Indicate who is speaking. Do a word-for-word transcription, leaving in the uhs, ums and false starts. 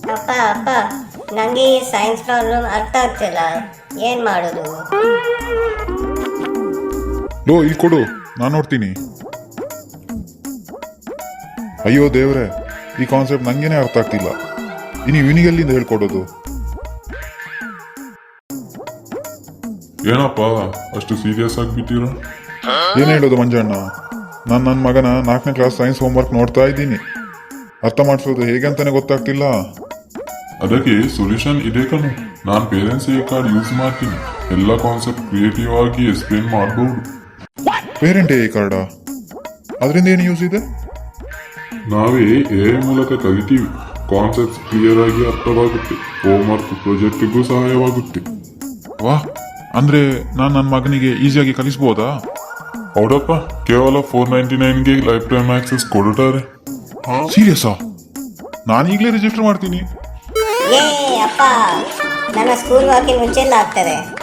Speaker 1: ಅಪ್ಪ ಅಪ್ಪ ನನಗೆ ಈ ಸೈನ್ಸ್ ಪ್ರಾಬ್ಲಮ್ ಅರ್ಥ ಆಗ್ತಿಲ್ಲ, ಏನು ಮಾಡೋದು?
Speaker 2: ಲೋ ಇಲ್ಲಿ ಕೊಡು, ನಾನು ನೋಡ್ತೀನಿ. ಅಯ್ಯೋ ದೇವ್ರೆ, ಈ ಕಾನ್ಸೆಪ್ಟ್ ನಂಗೇನೆ ಅರ್ಥ ಆಗ್ತಿಲ್ಲ. ಇನ್ನು ಇವನಿಗೆಲ್ಲಿಂದ ಹೇಳ್ಕೊಡೋದು?
Speaker 3: ಏನಪ್ಪ ಅಷ್ಟು ಸೀರಿಯಸ್ ಆಗಿಬಿಟ್ಟಿರ?
Speaker 2: ಏನು ಹೇಳೋದು ಮಂಜಣ್ಣ, ನಾನು ನನ್ನ ಮಗನ ನಾಲ್ಕನೇ ಕ್ಲಾಸ್ ಸೈನ್ಸ್ ಹೋಮ್ವರ್ಕ್ ನೋಡ್ತಾ ಇದ್ದೀನಿ. ಅರ್ಥ ಮಾಡಿಸೋದು ಹೇಗೆ ಅಂತಾನೆ ಗೊತ್ತಾಗ್ತಿಲ್ಲ.
Speaker 3: ಅದಕ್ಕೆ ಸೊಲ್ಯೂಷನ್ ಇದೆ ಕಣು. ನಾನು ಪೇರೆಂಟ್ಸ್ ಎ ಕಾರ್ಡ್ ಯೂಸ್ ಮಾಡ್ತೀನಿ. ಎಲ್ಲ ಕಾನ್ಸೆಪ್ಟ್ ಕ್ರಿಯೇಟಿವ್ ಆಗಿ ಎಕ್ಸ್ಪ್ಲೇನ್ ಮಾಡಬಹುದು.
Speaker 2: Parent A card? ಅದರಿಂದ ಏನು ಯೂಸ್ ಇದೆ?
Speaker 3: ನಾವೇ ಎ ಮೂಲಕ ಕಲಿತೀವಿ. ಕಾನ್ಸೆಪ್ಟ್ ಕ್ಲಿಯರ್ ಆಗಿ ಅರ್ಥವಾಗುತ್ತೆ. ಹೋಮ್ವರ್ಕ್ ಪ್ರಾಜೆಕ್ಟ್ಗೂ ಸಹಾಯವಾಗುತ್ತೆ.
Speaker 2: ವಾ, ಅಂದ್ರೆ ನಾನು ನನ್ನ ಮಗನಿಗೆ ಈಸಿಯಾಗಿ ಕಲಿಸ್ಬೋದಾ?
Speaker 3: ಹೌದಪ್ಪ, ಕೇವಲ ಫೋರ್ ನೈಂಟಿ ನೈನ್ಗೆ ಲೈಫ್ ಟೈಮ್ ಆಕ್ಸೆಸ್ ಕೊಡುತ್ತಾರೆ.
Speaker 2: ಸೀರಿಯಸ್ಸಾ? ನಾನು ಈಗಲೇ ರಿಜಿಸ್ಟರ್ ಮಾಡ್ತೀನಿ.
Speaker 1: ಏ ಅಪ್ಪ, ನನ್ನ ಸ್ಕೂಲ್ ವಾಕಿಂಗ್ ಮುಂಚೆಲ್ಲ ಆಗ್ತದೆ.